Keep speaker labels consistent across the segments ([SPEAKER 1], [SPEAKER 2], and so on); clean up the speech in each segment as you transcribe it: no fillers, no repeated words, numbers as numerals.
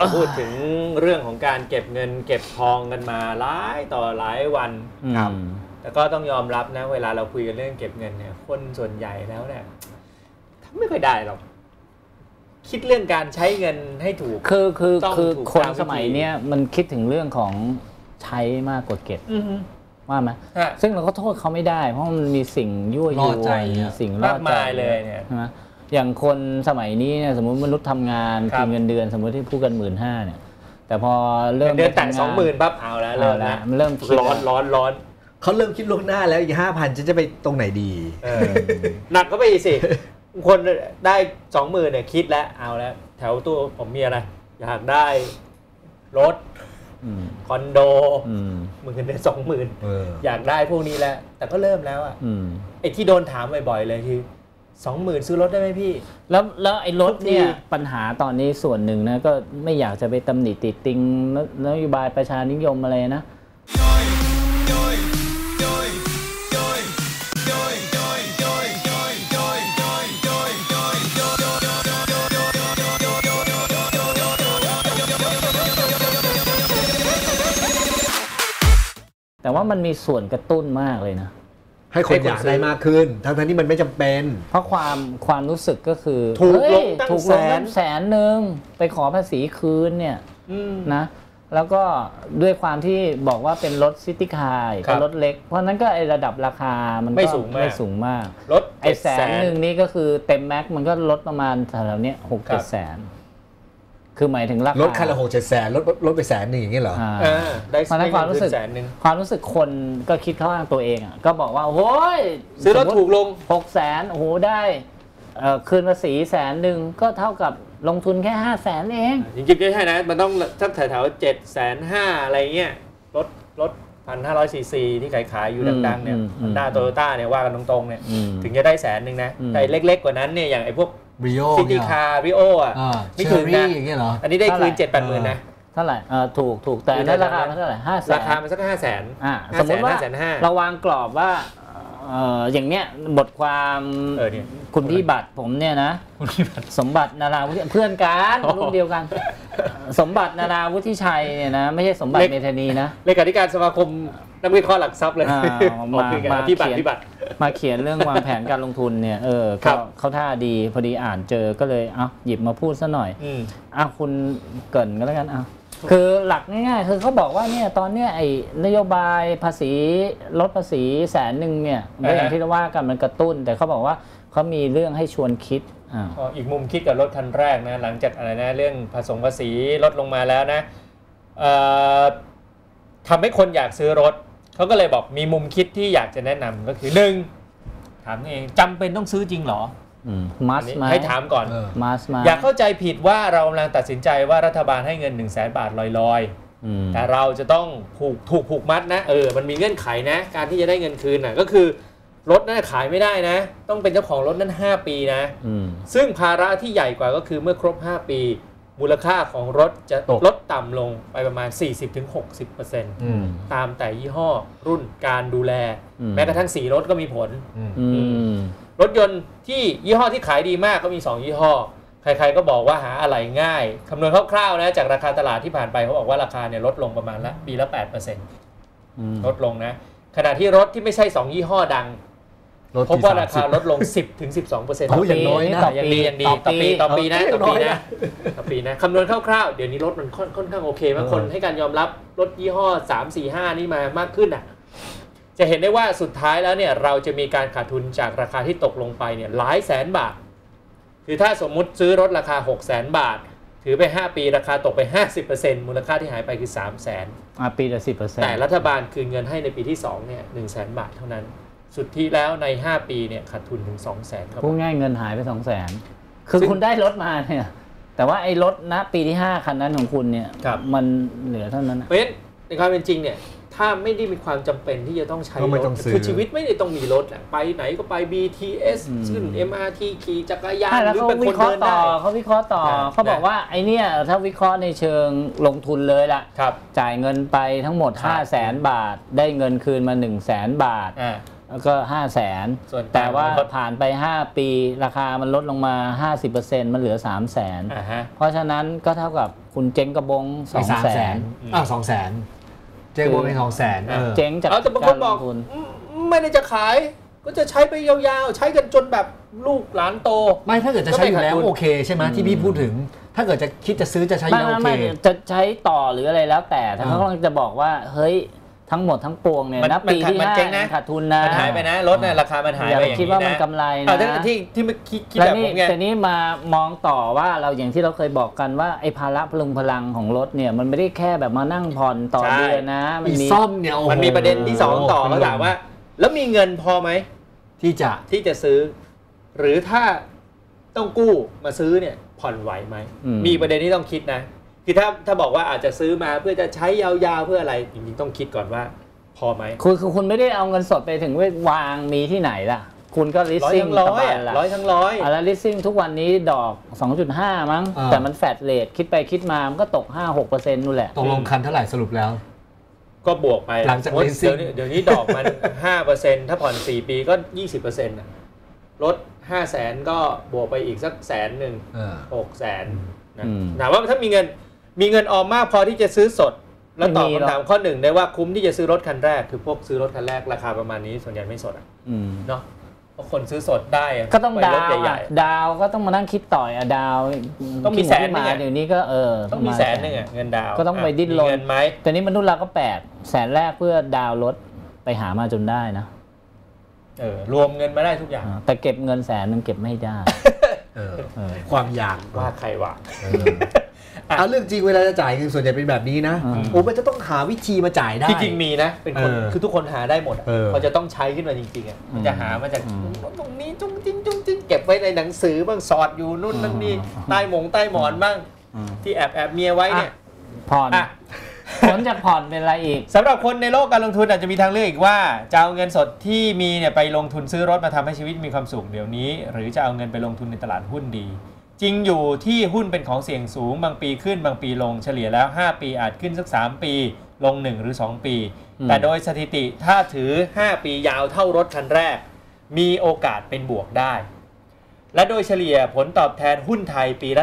[SPEAKER 1] พูดถึงเรื่องของการเก็บเงินเก็บทองกันมาหลายต่อหลายวัน
[SPEAKER 2] ครับ
[SPEAKER 1] แต่ก็ต้องยอมรับนะเวลาเราคุยกันเรื่องเก็บเงินเนี่ยคนส่วนใหญ่แล้วเนี่ยไม่ค่อยได้หรอกคิดเรื่องการใช้เงินให้ถูก
[SPEAKER 2] คือคนสมัยเนี้ยมันคิดถึงเรื่องของใช้มากกว่าเก็บว่าไหมซึ่งเราก็โทษเขาไม่ได้เพราะมันมีสิ่งยั่วยวนสิ่งล่อใจ
[SPEAKER 1] เลยเนี่ย
[SPEAKER 2] ใช่ไหมอย่างคนสมัยนี้เนี่ยสมมติมนุษย์ทำงานกินเงินเดือนสมมติที่พูดกัน15,000เนี่ยแต่พอเริ่ม
[SPEAKER 1] เดือนแต่20,000ปั๊บเอาแล้ว
[SPEAKER 2] มันเริ่ม
[SPEAKER 1] ร้อน
[SPEAKER 3] เขาเริ่มคิดล่วงหน้าแล้วอีก 5,000 จะไปตรงไหนดี
[SPEAKER 1] หนักก็ไปอีกสิคนได้20,000เนี่ยคิดแล้วเอาแล้วแถวตัวผมมีอะไรอยากได้รถคอนโดมึงเงินเดือน20,000อยากได้พวกนี้แล้วแต่ก็เริ่มแล้วอ่ะไอ้ที่โดนถามบ่อยๆเลยคือ20,000ซื้อรถได้ไหมพี่
[SPEAKER 2] แล้วไอ้รถเนี่ยปัญหาตอนนี้ส่วนหนึ่งนะก็ไม่อยากจะไปตำหนิติติงนโยบายประชานิยมอะไรนะแต่ว่ามันมีส่วนกระตุ้นมากเลยนะ
[SPEAKER 3] ให้คนอยากได้มากขึ้นทั้งที่มันไม่จำเป็น
[SPEAKER 2] เพราะความรู้สึกก็คือ
[SPEAKER 1] ถูกลงตั้ง
[SPEAKER 2] 100,000ไปขอภาษีคืนเนี่ยนะแล้วก็ด้วยความที่บอกว่าเป็นรถซิตี้คาร์ก็รถเล็กเพราะนั้นก็ไอระดับราคามันก็ไม่สูงมาก
[SPEAKER 1] รถ
[SPEAKER 2] ไอ100,000นี่ก็คือเต็มแม็กมันก็ลดประมาณแถวๆนี้6-7 แสนคือหมายถึงราคาร
[SPEAKER 3] ถคันละ6-7 แสนลดไป100,000อย่างนี้เหรอ
[SPEAKER 1] ได้
[SPEAKER 2] ความรู้สึกคนก็คิดเข้าข้างตัวเองอ่ะก็บอกว่าโอ้ย
[SPEAKER 1] ซื้อรถถูกลง
[SPEAKER 2] 600,000โอ้โหได้คืนภาษี100,000ก็เท่ากับลงทุนแค่500,000เอง
[SPEAKER 1] จริงๆไม่ใช่นะมันต้องสักแถวๆ750,000อะไรเงี้ยรถ 1,500 ซีซีที่ขายอยู่ดังๆเนี่ยHonda Toyotaเนี่ยว่ากันตรงๆเนี่ยถึงจะได้100,000นะแต่เล็กๆกว่านั้นเนี่ยอย่างไอ้พวกซิตี้คาร์ริโออ่ะ
[SPEAKER 3] ไม่ถึงนะ
[SPEAKER 1] อันนี้ได้คืน 7-8 หมื่นนะ
[SPEAKER 2] เท่าไหร่ถูกแต่นั้นราคาเท่าไหร่500,000
[SPEAKER 1] ราคามันสัก500,000
[SPEAKER 2] สมมติว่าเราวางกรอบว่าอย่างเนี้ยบทความคุณพี่บัตรผมเนี่ยนะสมบัตินาราวุฒิเพื่อนกันรุ่นเดียวกันสมบัตินาราวุฒิชัยเนี่ยนะไม่ใช่สมบัติเมธานีนะ
[SPEAKER 1] เลขาธิการสมาคมนักวิเคราะห์หลักทรัพย์เลย
[SPEAKER 2] มาเขียนเรื่องวางแผนการลงทุนเนี่ยเขาท่าดีพอดีอ่านเจอก็เลยหยิบมาพูดซะหน่อยคุณเกริ่นก็แล้วกันคือหลักง่ายๆคือเขาบอกว่าเนี่ยตอนเนี้ยไอ้นโยบายภาษีลดภาษี100,000เนี่ยอย่างที่เราว่ากันมันกระตุ้นแต่เขาบอกว่าเขามีเรื่องให้ชวนคิด
[SPEAKER 1] อีกมุมคิดกับรถคันแรกนะหลังจากอะไรนะเรื่องภาษีลดลงมาแล้วนะทำให้คนอยากซื้อรถเขาก็เลยบอกมีมุมคิดที่อยากจะแนะนำก็คือ1ถามเองจำเป็นต้องซื้อจริงเหรอให้ถามก่อนอย่าเข้าใจผิดว่าเรากำลังตัดสินใจว่ารัฐบาลให้เงิน100,000 บาทลอยๆแต่เราจะต้องผูกมัดนะมันมีเงื่อนไขนะการที่จะได้เงินคืนก็คือรถนั้นขายไม่ได้นะต้องเป็นเจ้าของรถนั้น5 ปีนะซึ่งภาระที่ใหญ่กว่าก็คือเมื่อครบ5 ปีมูลค่าของรถจะลดต่ำลงไปประมาณ 40-60% ตามแต่ยี่ห้อรุ่นการดูแลแม้กระทั่งสีรถก็มีผลรถยนต์ที่ยี่ห้อที่ขายดีมากก็มี2 ยี่ห้อใครๆก็บอกว่าหาอะไหล่ง่ายคำนวณคร่าวๆนะจากราคาตลาดที่ผ่านไปเขาบอกว่าราคาเนี่ยลดลงประมาณปีละ 8% ลดลงนะขณะที่รถที่ไม่ใช่2 ยี่ห้อดังพบว่าราคาลดลง 10-12%
[SPEAKER 3] อย่างน้อยนะ
[SPEAKER 1] อย่างดีต่อปีนะคำนวณคร่าวๆเดี๋ยวนี้รถมันค่อนข้างโอเคมากคนให้การยอมรับรถยี่ห้อ3-4-5นี่มากขึ้นจะเห็นได้ว่าสุดท้ายแล้วเนี่ยเราจะมีการขาดทุนจากราคาที่ตกลงไปเนี่ยหลายแสนบาทคือถ้าสมมุติซื้อรถราคา 600,000 บาทถือไป5 ปีราคาตกไป 50% มูลค่าที่หายไปคือ 300,000
[SPEAKER 2] ปีละ 10%
[SPEAKER 1] แต่รัฐบาลคืนเงินให้ในปีที่2เนี่ย 100,000 บาทเท่านั้นสุดที่แล้วใน5 ปีเนี่ยขาดทุนถึง 200,000 ครับ
[SPEAKER 2] พูดง่ายเงินหายไป 200,000 คือคุณได้รถมาเนี่ยแต่ว่าไอ้รถณปีที่5คันนั้นของคุณเนี่ยมันเหลือเท่านั้น
[SPEAKER 1] เพราะฉะนั้นในความเป็นจริงเนี่ยถ้าไม่ได้มีความจำเป็นที่จะต้องใช้รถคือชีวิตไม่ได้ต้องมีรถไปไหนก็ไป BTS ขึ้น MRT ขี่จักรยานหรือเป็นคนเดินได้
[SPEAKER 2] เขาวิเคราะห์ต่อเขาบอกว่าไอเนี่ยถ้าวิเคราะห์ในเชิงลงทุนเลยล่ะจ่ายเงินไปทั้งหมด 500,000 บาทได้เงินคืนมา 100,000 บาทก็ 500,000แต่ว่าผ่านไป5ปีราคามันลดลงมา 50% มันเหลือ 300,000เพราะฉะนั้นก็เท่ากับคุณเจ๊งกระบง 200,000
[SPEAKER 3] 200,000เจ๊งกระบงเป็น200,000
[SPEAKER 2] เจ๊งจาก
[SPEAKER 1] การลงทุนไม่ได้จะขายก็จะใช้ไปยาวๆใช้กันจนแบบลูกหลานโต
[SPEAKER 3] ไม่ถ้าเกิดจะใช้อยู่แล้วโอเคใช่ไหมที่พี่พูดถึงถ้าเกิดจะคิดจะซื้อจะใช้โอเค
[SPEAKER 2] จะใช้ต่อหรืออะไรแล้วแต่เขากำลังจะบอกว่าเฮ้ยทั้งหมดทั้งปวงเนี่ยนะปีที่5ขาดทุนนะ
[SPEAKER 1] มันหายไปนะรถเนี่ยราคามันหายไปอย่างนี้นะ
[SPEAKER 2] คิดว่ามันกำไรนะ
[SPEAKER 1] ที่คิดแบบผมไง
[SPEAKER 2] แต่นี้มามองต่อว่าเราอย่างที่เราเคยบอกกันว่าไอ้ภาระพลังของรถเนี่ยมันไม่ได้แค่แบบมานั่งผ่อนต่อเดือนนะ
[SPEAKER 3] มันมีซ่อมเนี่ย
[SPEAKER 1] มันมีประเด็นที่2ต่อเขาถามว่าแล้วมีเงินพอไหมที่จะซื้อหรือถ้าต้องกู้มาซื้อเนี่ยผ่อนไหวไหมมีประเด็นที่ต้องคิดนะคือถ้าบอกว่าอาจจะซื้อมาเพื่อจะใช้ยาวๆเพื่ออะไรจริงๆต้องคิดก่อนว่าพอไหม
[SPEAKER 2] คือคุณไม่ได้เอาเงินสดไปถึงวางมีที่ไหนล่ะคุณก็ลิสซิ่ง
[SPEAKER 1] สบายละ100
[SPEAKER 2] แล้วลิสซิ่งทุกวันนี้ดอก 2.5 มั้งแต่มันแฟลตเรทคิดไปคิดมามันก็ตก 5-6% นู่นแหละ
[SPEAKER 3] ตกลงคันเท่าไหร่สรุปแล้ว
[SPEAKER 1] ก็บวกไป
[SPEAKER 3] หลังจากลิสซิ่ง
[SPEAKER 1] เดี๋ยวนี้ดอกมัน 5% ถ้าผ่อน4ปีก็ 20% นะลด 500,000 ก็บวกไปอีกสัก100,000 600,000นะถามว่าถ้ามีเงินออมมากพอที่จะซื้อสดแล้วตอบคำถามข้อ1ได้ว่าคุ้มที่จะซื้อรถคันแรกคือพวกซื้อรถคันแรกราคาประมาณนี้ส่วนใหญ่ไม่สดเนาะเพราะคนซื้อสดได้
[SPEAKER 2] ก็ต้องดาวดาวก็ต้องมานั่งคิดต่อยดาว
[SPEAKER 1] ต้องมีแสนนึง
[SPEAKER 2] เดี๋ยวนี้ก็
[SPEAKER 1] ต้องมี100,000เงินดาว
[SPEAKER 2] ก็ต้องไปดิ้นรนแต่นี้มนุษย์เราก็800,000แรกเพื่อดาวรถไปหามาจนได้นะ
[SPEAKER 1] รวมเงินมาได้ทุกอย่าง
[SPEAKER 2] แต่เก็บเงิน100,000เก็บไม่ได้
[SPEAKER 3] ความอยาก
[SPEAKER 1] ว่าใครวะ
[SPEAKER 3] เอาเรื่องจริงเวลาจะจ่ายเงินส่วนใหญ่เป็นแบบนี้นะมันจะต้องหาวิธีมาจ่ายได้
[SPEAKER 1] จริงมีนะเป็นคนคือทุกคนหาได้หมดพอจะต้องใช้ขึ้นมาจริงๆมันจะหามาจากตรงนี้จุ้งจิ้งเก็บไว้ในหนังสือบ้างสอดอยู่นู่นนั่นนี่ใต้หมอนบ้างที่แอบเมียไว้เนี่ย
[SPEAKER 2] ผ่อนผลจากผ่อนเป็นอะไรอีก
[SPEAKER 1] สำหรับคนในโลกการลงทุนอาจจะมีทางเลือกอีกว่าจะเอาเงินสดที่มีเนี่ยไปลงทุนซื้อรถมาทำให้ชีวิตมีความสุขเดี๋ยวนี้หรือจะเอาเงินไปลงทุนในตลาดหุ้นดีจริงอยู่ที่หุ้นเป็นของเสี่ยงสูงบางปีขึ้นบางปีลงเฉลี่ยแล้ว5ปีอาจขึ้นสัก3ปีลง1หรือ2ปีแต่โดยสถิติถ้าถือ5ปียาวเท่ารถคันแรกมีโอกาสเป็นบวกได้และโดยเฉลี่ยผลตอบแทนหุ้นไทยปีละ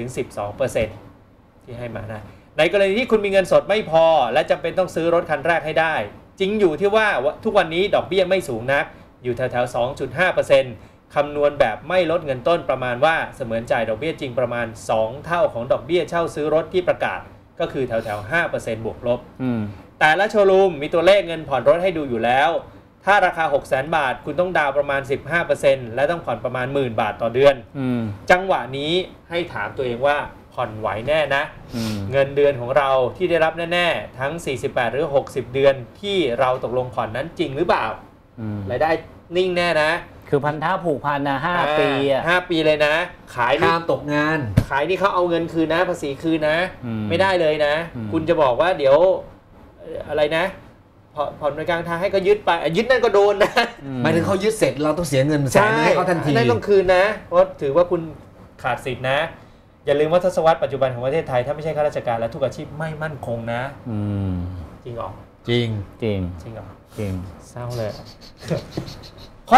[SPEAKER 1] 10-12% ที่ให้มานะในกรณีที่คุณมีเงินสดไม่พอและจำเป็นต้องซื้อรถคันแรกให้ได้จริงอยู่ที่ว่าทุกวันนี้ดอกเบี้ยไม่สูงนักอยู่แถวๆ 2.5%คำนวณแบบไม่ลดเงินต้นประมาณว่าเสมือนจ่ายดอกเบี้ยจริงประมาณ2เท่าของดอกเบี้ยเช่าซื้อรถที่ประกาศก็คือแถวๆ 5% บวกลบแต่ละโชว์รูมมีตัวเลขเงินผ่อนรถให้ดูอยู่แล้วถ้าราคา 600,000 บาทคุณต้องดาวประมาณ 15% และต้องผ่อนประมาณ 10,000 บาทต่อเดือนจังหวะนี้ให้ถามตัวเองว่าผ่อนไหวแน่นะเงินเดือนของเราที่ได้รับแน่ๆทั้ง48หรือ60เดือนที่เราตกลงผ่อนนั้นจริงหรือเปล่ารายได้นิ่งแน่นะ
[SPEAKER 2] คือพันธะผูกพันนะ5ปี
[SPEAKER 1] 5ปีเลยนะขาย
[SPEAKER 3] ห้ามตกงาน
[SPEAKER 1] ขายนี่เขาเอาเงินคืนนะภาษีคืนนะไม่ได้เลยนะคุณจะบอกว่าเดี๋ยวอะไรนะผ่อนในกลางทางให้ก็ยึดไปยึดนั่นก็โดนนะ
[SPEAKER 3] หมายถึงเขายึดเสร็จเราต้องเสียเงินแสนให้เขาทันที
[SPEAKER 1] นั่นต้องคืนนะเพราะถือว่าคุณขาดสิทธินะอย่าลืมว่าทศวรรษปัจจุบันของประเทศไทยถ้าไม่ใช่ข้าราชการและทุกอาชีพไม่มั่นคงนะจริงหรอ
[SPEAKER 3] จริง
[SPEAKER 1] หรอ
[SPEAKER 2] จริง
[SPEAKER 1] เศร้าเลยข้อ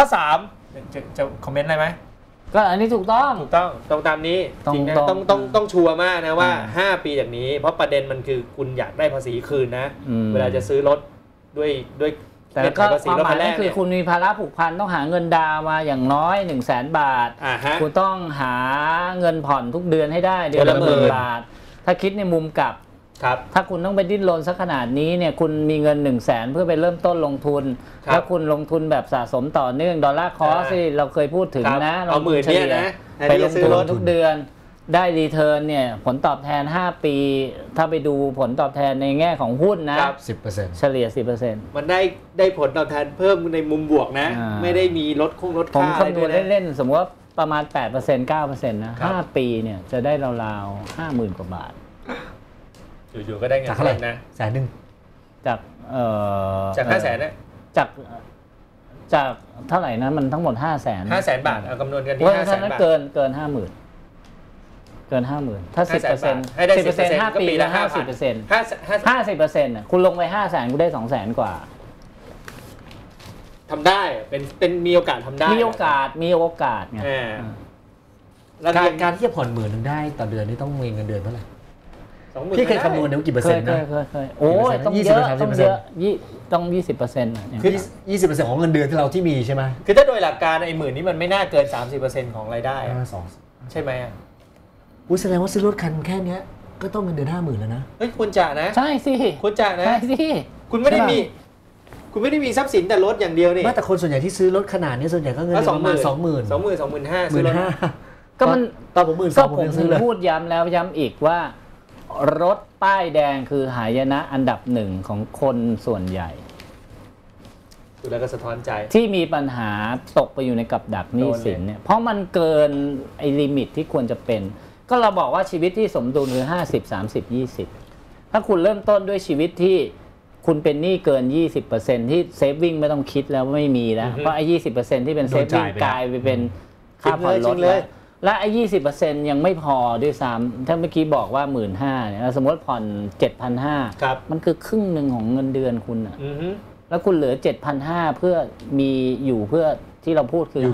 [SPEAKER 1] 3จะคอมเมนต์อะไรไหม
[SPEAKER 2] ก็อันนี้ถูกต้อง
[SPEAKER 1] ตามนี้จริงนะต้องชัวร์มากนะว่า5ปีจากนี้เพราะประเด็นมันคือคุณอยากได้ภาษีคืนนะเวลาจะซื้อรถด้วย
[SPEAKER 2] แต่ก็ความหมายก็คือคุณมีภาระผูกพันต้องหาเงินดาวมาอย่างน้อย 100,000 บาทคุณต้องหาเงินผ่อนทุกเดือนให้ได้เดือนละ10,000 บาทถ้าคิดในมุมกลับถ้าคุณต้องไปดิ้นรนสักขนาดนี้เนี่ยคุณมีเงิน 100,000 เพื่อไปเริ่มต้นลงทุนแล้วคุณลงทุนแบบสะสมต่อเนื่องดอลลาร์คอสที่เราเคยพูดถึงนะ
[SPEAKER 1] เอาหมื่นเนี่ยนะ
[SPEAKER 2] ไปลงทุนทุกเดือนได้รีเทิร์นเนี่ยผลตอบแทน5ปีถ้าไปดูผลตอบแทนในแง่ของหุ้นนะ
[SPEAKER 3] 10%
[SPEAKER 2] เฉลี่ย 10%
[SPEAKER 1] มันได้ผลตอบแทนเพิ่มในมุมบวกนะไม่ได้มีลดค่า
[SPEAKER 2] ผมคำนวณเล่นๆสมมติว่าประมาณ 8% 9% นะ5ปีเนี่ยจะได้ราวๆ 50,000 กว่าบาท
[SPEAKER 1] อยู่ๆก็ได้เงินเท่าไหร่นะ
[SPEAKER 2] 100,000จาก
[SPEAKER 1] 500,000นะ
[SPEAKER 2] จากเท่าไหร่นะมันทั้งหมด
[SPEAKER 1] 500,000 บาทเอาคำนวณกันที่
[SPEAKER 2] 500,000 บาทเกิน 50,000ถ้า 10%
[SPEAKER 1] ให้ได้
[SPEAKER 2] 10% 5 ปีแล้ว 50% 50% คุณลงไป 500,000 คุณได้ 200,000 กว่า
[SPEAKER 1] ทำได้เป็นมีโอกาสทำได้
[SPEAKER 2] มีโอกาสไง
[SPEAKER 3] แล้วการที่จะผ่อน10,000ได้ต่อเดือนนี่ต้องมีเงินเดือนเท่าไหร่พี่เคยคำนวณได้กี่เปอร์เซ็นต์นะ
[SPEAKER 2] เคยโอ้ยต้องเยอะต้อง 20%
[SPEAKER 3] คือ 20% ของเงินเดือนที่เราที่มีใช่ไหม
[SPEAKER 1] คือถ้าโดยหลักการไอ้10,000นี่มันไม่น่าเกิน 30% ของรายได้ใช่ไหม
[SPEAKER 3] แสดงว่าซื้อรถคันแค่นี้ก็ต้องเงินเดือน 50,000แล้วนะ
[SPEAKER 1] เฮ้ยคุณจ่านะ
[SPEAKER 2] ใช่สิ
[SPEAKER 1] คุณจ่านะ
[SPEAKER 2] ใช่สิ
[SPEAKER 1] คุณไม่ได้มีทรัพย์สินแต่รถอย่างเดียวนี่
[SPEAKER 3] แต่คนส่วนใหญ่ที่ซื้อรถขนาดนี้ส่วนใหญ่ก็เงินเดือนประมาณ
[SPEAKER 1] 25,000
[SPEAKER 3] 15,000ก็มันตอนผม
[SPEAKER 2] ผมพูดย้ำแล้วย้ำอีกว่ารถป้ายแดงคือหายนะอันดับหนึ่งของคนส่วนใหญ่
[SPEAKER 1] ดูแล้วก็สะท้อนใจ
[SPEAKER 2] ที่มีปัญหาตกไปอยู่ในกับดักหนี้สินเนี่ยเพราะมันเกินไอ้ลิมิตที่ควรจะเป็นก็เราบอกว่าชีวิตที่สมดุลคือ50-30-20ถ้าคุณเริ่มต้นด้วยชีวิตที่คุณเป็นหนี้เกิน 20% ที่เซฟวิ่งไม่ต้องคิดแล้วไม่มีแล้วเพราะไอ้ 20% ที่เป็นเซฟวิ่งกลายไปเป็นค่าผ่อนรถเลยและไอ้ 20% ยังไม่พอด้วยซ้ำถ้าเมื่อกี้บอกว่า 15,000 เนี่ยสมมติผ่อน 7,500 มันคือครึ่งหนึ่งของเงินเดือนคุณอ่ะแล้วคุณเหลือ 7,500 เพื่อมีอยู่เพื่อที่เราพูดคือ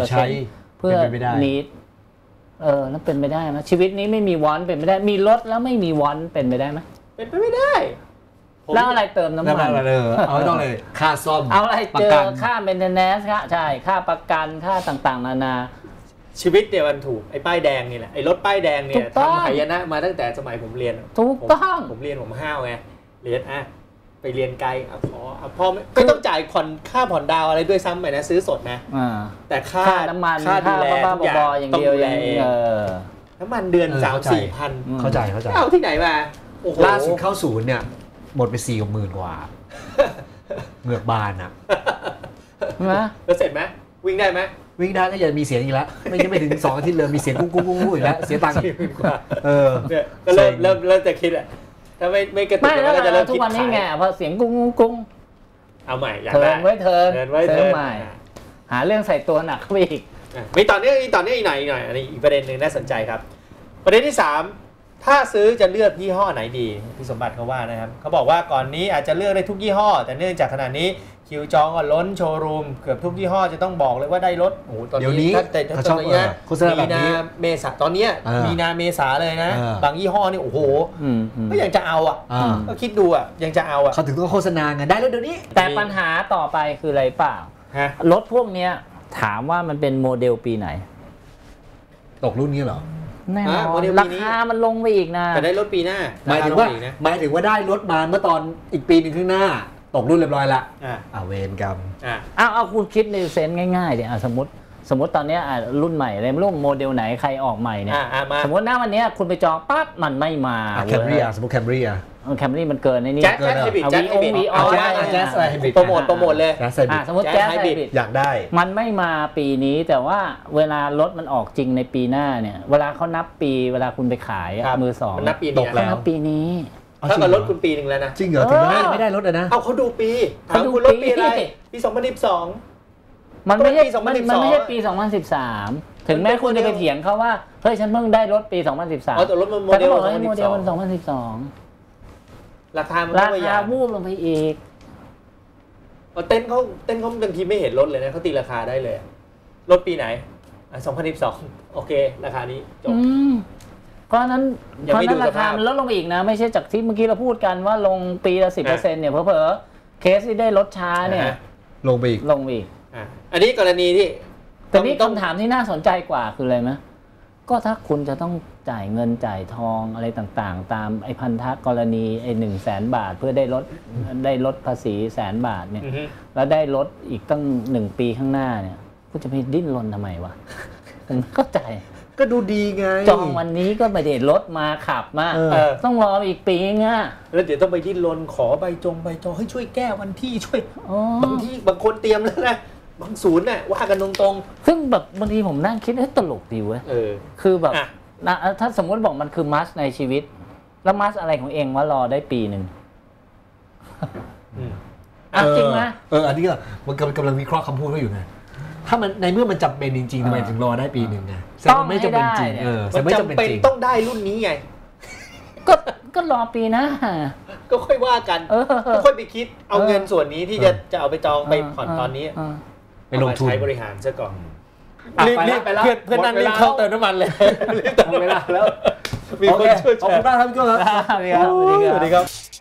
[SPEAKER 2] 50% เพื่อneedแล้วเป็นไปได้ไหมชีวิตนี้ไม่มีวอนเป็นไปได้มีรถแล้วไม่มีวอนเป็นไปได้ไหม
[SPEAKER 1] เป็นไปไม่ได้
[SPEAKER 2] แล้วอะไรเติมน้ำมัน
[SPEAKER 3] เอาต้องเลยค่าซ่อม
[SPEAKER 2] เอาอะไรเจอค่าเมนเทนแนนซ์ใช่ค่าประกันค่าต่างๆนานา
[SPEAKER 1] ชีวิตเนี่ยมันถูกไอ้ป้ายแดงนี่แหละไอ้รถป้ายแดงเนี่ยทำหายนะมาตั้งแต่สมัยผมเรียน
[SPEAKER 2] ถูกต้อง
[SPEAKER 1] ผมเรียนผมห้าวไงเรียนไปเรียนไกลพอไม่ต้องจ่ายค่าผ่อนดาวอะไรด้วยซ้ำไปนะซื้อสดนะแต่ค่า
[SPEAKER 2] น้ำมัน
[SPEAKER 1] ค่าดูแล
[SPEAKER 2] อย่างเดียวอย่าง
[SPEAKER 1] น้ำมันเดือน3-4,000
[SPEAKER 3] เข้าใจ
[SPEAKER 1] เอาที่ไหนมา
[SPEAKER 3] ล่าสุดเข้าศูนย์เนี่ยหมดไป40,000 กว่าเหงือกบานอ่ะ
[SPEAKER 1] แล้วเสร็จไหมวิ่งได้ไหม
[SPEAKER 3] วิ่งได้ก็อย่ามีเสียงอีกแล้วไม่ถึง2 อาทิตย์เลยมีเสียงกุ้งอีกแล้วเสียตังค์
[SPEAKER 1] เนี่ยก็เริ่มจะคิดอะถ้าไม่กระตุกก็จะเริ่มคิด
[SPEAKER 2] ทุกวันนี้ไงพอเสียงกุ้ง
[SPEAKER 1] เอาใหม่อยาก
[SPEAKER 2] ได้เทิร์นใหม่หาเรื่องใส่ตัวหนักเข้าไปอีก
[SPEAKER 1] มีตอนนี้อีกหน่อยอันนี้อีกประเด็นหนึ่งน่าสนใจครับประเด็นที่3ถ้าซื้อจะเลือกยี่ห้อไหนดีพี่สมบัติเขาว่านะครับเขาบอกว่าก่อนนี้อาจจะเลือกได้ทุกยี่ห้อแต่เนื่องจากขณะนี้คิวจองก็ล้นโชว์รูมเกือบทุกยี่ห้อจะต้องบอกเลยว่าได้รถโอ้ตอนนี้ถ้าตอนนี้มีนาเมษาตอนนี้มีนาเมษาเลยนะบางยี่ห้อนี่โอ้โหก็ยังจะเอาก็คิดดูยังจะเอา
[SPEAKER 3] เขาถึงต้องโฆษณาไงได้แล้วเดี๋ยวนี้
[SPEAKER 2] แต่ปัญหาต่อไปคืออะไรเปล่ารถพวกนี้ถามว่ามันเป็นโมเดลปีไหน
[SPEAKER 3] ตกรุ่นนี้เหรอ
[SPEAKER 2] แน่นอนราคามันลงไปอีกนะ
[SPEAKER 1] แต่ได้รถปีหน้า
[SPEAKER 3] หมายถึงว่าได้รถมาเมื่อตอนอีกปีนึงข้างหน้าตกรุ่นเรียบร้อยละเวรกรรม
[SPEAKER 2] เอาคุณคิดในเซนส์ง่ายๆเดี๋ยวสมมติตอนนี้รุ่นใหม่เลยรุ่นโมเดลไหนใครออกใหม่เนี่ยสมมติหน้าวันนี้คุณไปจองปั๊บมันไม่มา
[SPEAKER 3] แคมรี่สมมติแคมรี่
[SPEAKER 2] แคมรี่มันเกินในนี้
[SPEAKER 1] แจ๊สไฮบริดแจ๊สไฮบริดโปรโมทเลย
[SPEAKER 2] สมมติแจ๊สไฮบริด
[SPEAKER 3] อยากได้
[SPEAKER 2] มันไม่มาปีนี้แต่ว่าเวลารถมันออกจริงในปีหน้าเนี่ยเวลาเขานับปีเวลาคุณไปขายมือสอง
[SPEAKER 1] นับปีนี้
[SPEAKER 2] นับปีนี้
[SPEAKER 1] ถ้ากับรถคุณปีนึงแล้วนะ
[SPEAKER 3] จริงเหรอถึงไม่ได้รถนะ
[SPEAKER 1] เอาเขาดูปีคุณรถปีอะไรปี2012
[SPEAKER 2] มันไม่ใช่ปี 2013ถึงแม้คุณจะไปเถียงเขาว่าเฮ้ยฉันเพิ่งได้รถปี 2013
[SPEAKER 1] แต่รถมันโมเดล
[SPEAKER 2] มัน
[SPEAKER 1] 2012ราคา
[SPEAKER 2] วูบลงไปอีก
[SPEAKER 1] เต้นเขาบางทีไม่เห็นรถเลยนะเขาตีราคาได้เลยรถปีไหน2012โอเคราคานี้จบ
[SPEAKER 2] เพราะนั้นราคามันลดลงไปอีกนะไม่ใช่จากที่เมื่อกี้เราพูดกันว่าลงปีละ 10% เนี่ยเผลอๆเคสที่ได้รถช้าเนี่ย
[SPEAKER 3] ลงไปอีก
[SPEAKER 1] อันนี้กรณีที่
[SPEAKER 2] แต่นี่คำถามที่น่าสนใจกว่าคืออะไรไหมก็ถ้าคุณจะต้องจ่ายเงินจ่ายทองอะไรต่างๆตามไอ้พันธกรณีไอ้100,000 บาทเพื่อได้ลดภาษี100,000 บาทเนี่ยแล้วได้ลดอีกตั้ง1 ปีข้างหน้าเนี่ยคุณจะไปดิ้นรนทำไมวะผมเข้าใจ
[SPEAKER 3] ก็ดูดีไง
[SPEAKER 2] จองวันนี้ก็ไม่ได้รถมาขับมาต้องรออีกปีง่ะ
[SPEAKER 1] แล้วเดี๋ยวต้องไปดิ้นรนขอใบจองให้ช่วยแก้วันที่ช่วยบางคนเตรียมแล้วนะบางศูนย์น่ะว่ากันตรง
[SPEAKER 2] ๆซึ่งแบบบางทีผมนั่งคิดตลกดีเว้ยคือแบบถ้าสมมติบอกมันคือมัสในชีวิตแล้วมัสอะไรของเองว่ารอได้ปีนึงจริงไหม
[SPEAKER 3] อันนี้ก็มันกำลังวิเคราะห์คำพูดเขาอยู่ไงถ้ามันในเมื่อมันจำเป็นจริงๆทำไมถึงรอได้ปีนึงไง
[SPEAKER 2] ต้องไม่จำเป็นจริง
[SPEAKER 1] มันจำเป็นต้องได้รุ่นนี้ไง
[SPEAKER 2] ก็รอปีนะ
[SPEAKER 1] ก็ค่อยว่ากันก็ค่อยไปคิดเอาเงินส่วนนี้ที่จะเอาไปจองไปผ่อนตอนนี้
[SPEAKER 3] ไปลงทุน
[SPEAKER 1] ใช้บริหารซะก่อน
[SPEAKER 3] รีบไปแล้ว
[SPEAKER 1] เพื่อนนั่นรีบเข้าเติมน้ำมันเลย
[SPEAKER 3] รีบเติมเวลาแล้วมีคนช่วยขอบคุณมากครับพี่โก้ครับ
[SPEAKER 2] สวัสดีครับ